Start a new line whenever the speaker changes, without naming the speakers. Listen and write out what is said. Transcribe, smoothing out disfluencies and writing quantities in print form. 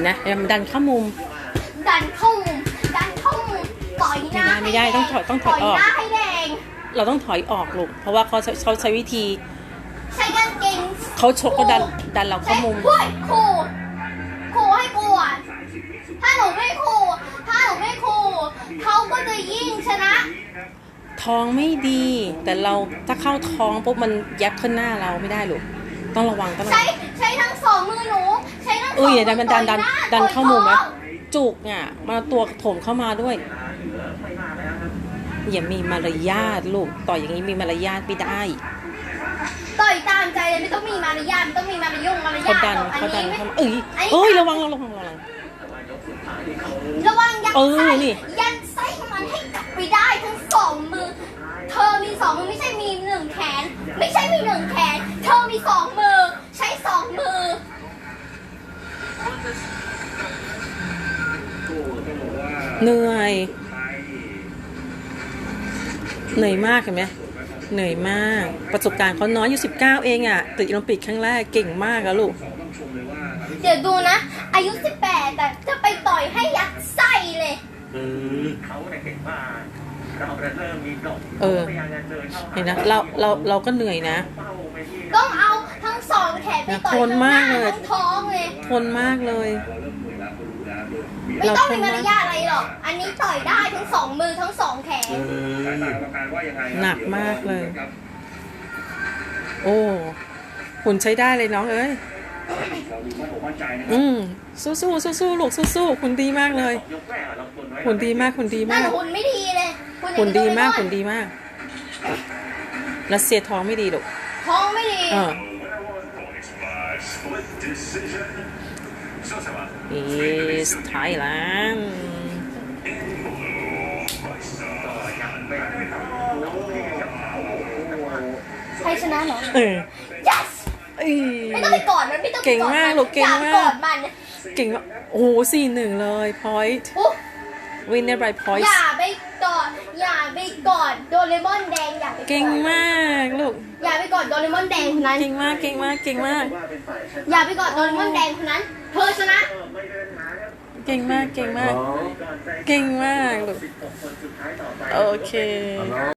นะมันดันเข้ามุม
ดันเข้ามุมต่อยหน้า
ไม่ได้ต้องถอยออก
หน้าให้แดง
เราต้องถอยออกลูกเพราะว่าเขาใช้วิธี
ใช้กางเกง
เขาชกก็ดันเราเข้ามุม
ขู่ให้กลัวถ้าหนูไม่ขู่เขาก็จะยิ่งชนะ
ท้องไม่ดีแต่เราถ้าเข้าท้องปุ๊บมันยับขึ้นหน้าเราไม่ได้ลูกต้องระวัง
ใช้ทั้งสองมือหนูใช้ทั้งสองมือ
มันดันเข้ามุมนะจุกอ่ะมาตัวโถมเข้ามาด้วยอย่ามีมารยาทลูกต่อยอย่างนี้มีมารยาทไม่ได้
ต่อยตามใจเลยไม่ต้องมีมารยาทไม่ต้องมีมารยาท
เขาดันเข้ามาระวัง
ยันไส้มันให้กลับไปได้ทั้งสองมือเธอมีสองมือไม่ใช่มีหนึ่งแขนไม่ใช่มีหนึ่งแขนเธอมีสองมือใช้สองมือ
เหนื่อยมากเห็นไหมเหนื่อยมากประสบการณ์เขาน้อยอยู่19เองอ่ะติดโอลิมปิกครั้งแรกเก่งมากอะลูก
เดี๋ยวดูนะอายุ18แต่จะไปต่อยให้ยัดไส้เลย
เขาเก่งมากเราเริ่มมีกล่อง
เห็นนะเราก็เหนื่อยนะ
ต้องเอาทั้งสองแขนไปต่อยทั้งหน้าทั้งท้องเลย
ทนมากเลย
ไม่ต้องมีมารยาทอะไรหรอกอันนี้ต่อยได้ทั้งสองมือทั้งสองแขน
หนักมากเลยโอ้หุ่นใช้ได้เลยน้องเอ้ยสู้ลูกสู้คุณดีมากเลยคุณดีมาก
หุ่นไม่ดีเลย
คุณดีมากรัสเซียท้องไม่ดีลูก
ท้องไม่ดี
is Thailand
ใครชนะเหรอyes ไม่ต้องไปกอดมันไม่ต้อง
เก่งมากลูกเก่งมาก
กอดมัน
เก่งมากโอ้4-1เลย point winner by point
อย่าไปกอดโดเรมอนแดง
เก่งมากลูก
อย่าไปกอดโดเรมอนแดงคนนั้น
เก่งมาก
อย่าไปกอดโดเรมอนแดงคนนั้นเธอชนะ
เก่งมากลูกโอเค